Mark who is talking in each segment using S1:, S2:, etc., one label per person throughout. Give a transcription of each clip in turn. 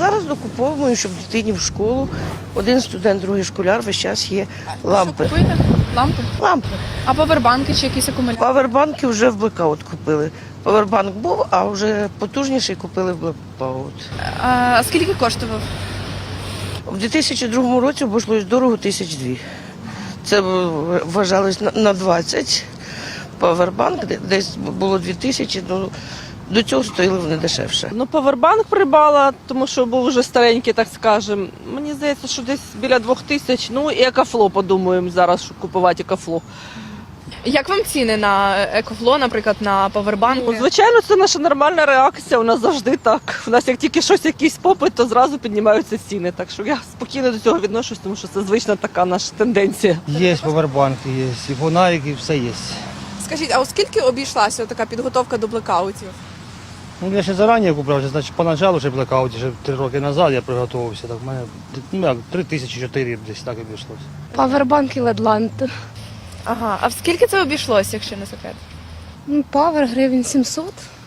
S1: зараз докуповуємо, щоб дитині в школу. Один студент, другий школяр, весь час є лампи.
S2: Що купуєте? Лампи?
S1: Лампи.
S2: А павербанки чи якісь акумулятори?
S1: Павербанки вже в блекаут купили. Павербанк був, а вже потужніший купили в блекаут.
S2: А скільки коштував?
S1: У 2002 році обійшлось дорого 1002. Це вважалось на 20. Павербанк десь було 2000, ну до цього стоїли вони дешевше.
S3: Ну, павербанк придбала, тому що був вже старенький, так скажемо. Мені здається, що десь біля 2000. Ну і екофло, подумаємо зараз, щоб купувати екофло.
S2: Як вам ціни на екофло, наприклад, на павербанки?
S3: Ну, звичайно, це наша нормальна реакція, у нас завжди так. У нас як тільки щось, якийсь попит, то зразу піднімаються ціни. Так що я спокійно до цього відношусь, тому що це звична така наша тенденція.
S4: Є павербанки, є, і фонарики, все є.
S2: Скажіть, а оскільки обійшлася така підготовка до блекаутів?
S4: Ну, я ще зарані купив, значить, поначалу ще блекауті, ще 3 роки назад я приготувався. Так, в мене 3000-4 десь так обійшлося.
S5: Павербанк і ледланд.
S2: Ага, а в скільки це обійшлося, якщо не секрет?
S5: Павер гривень 700,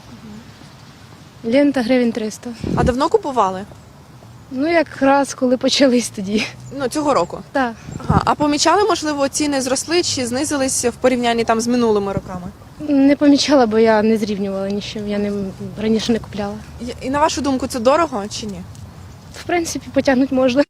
S5: лента гривень 300.
S2: А давно купували?
S5: Ну, якраз коли почались тоді.
S2: Ну, цього року.
S5: Так.
S2: Ага, а помічали, можливо, ціни зросли чи знизились в порівнянні там з минулими роками?
S5: Не помічала, бо я не зрівнювала нічим, я раніше не купляла.
S2: І на вашу думку, це дорого чи ні?
S5: В принципі, потягнути можна.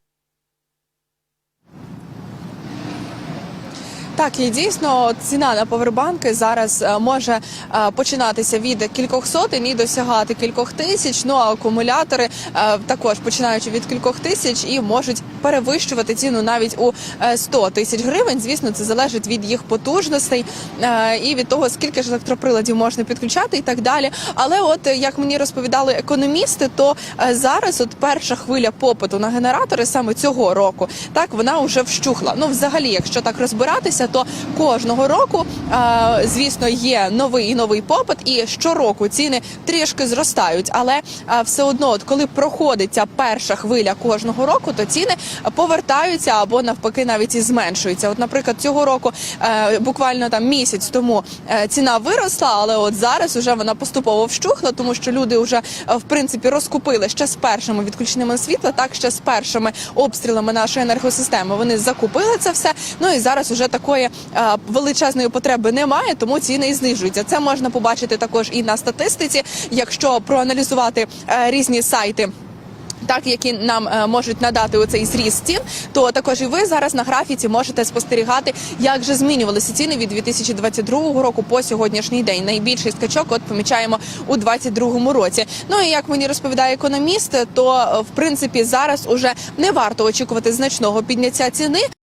S2: Так, і дійсно ціна на павербанки зараз може починатися від кількох сотень і досягати кількох тисяч. Ну а акумулятори також починаючи від кількох тисяч і можуть перевищувати ціну навіть у 100 тисяч гривень. Звісно, це залежить від їх потужностей і від того, скільки ж електроприладів можна підключати і так далі. Але от як мені розповідали економісти, то зараз от перша хвиля попиту на генератори саме цього року, так вона вже вщухла. Ну, взагалі, якщо так розбиратися, то кожного року, звісно, є новий і новий попит, і щороку ціни трішки зростають. Але все одно, от коли проходить ця перша хвиля кожного року, то ціни повертаються або навпаки навіть і зменшуються. От, наприклад, цього року буквально там місяць тому ціна виросла, але от зараз вже вона поступово вщухла, тому що люди вже в принципі розкупили ще з першими відключеннями світла, так ще з першими обстрілами нашої енергосистеми. Вони закупили це все. Ну і зараз вже такої величезної потреби немає, тому ціни і знижуються. Це можна побачити також і на статистиці, якщо проаналізувати різні сайти, так, які нам можуть надати оцей зріст цін, то також і ви зараз на графіці можете спостерігати, як же змінювалися ціни від 2022 року по сьогоднішній день. Найбільший скачок от помічаємо у 2022 році. Ну і як мені розповідає економіст, то в принципі зараз уже не варто очікувати значного підняття ціни.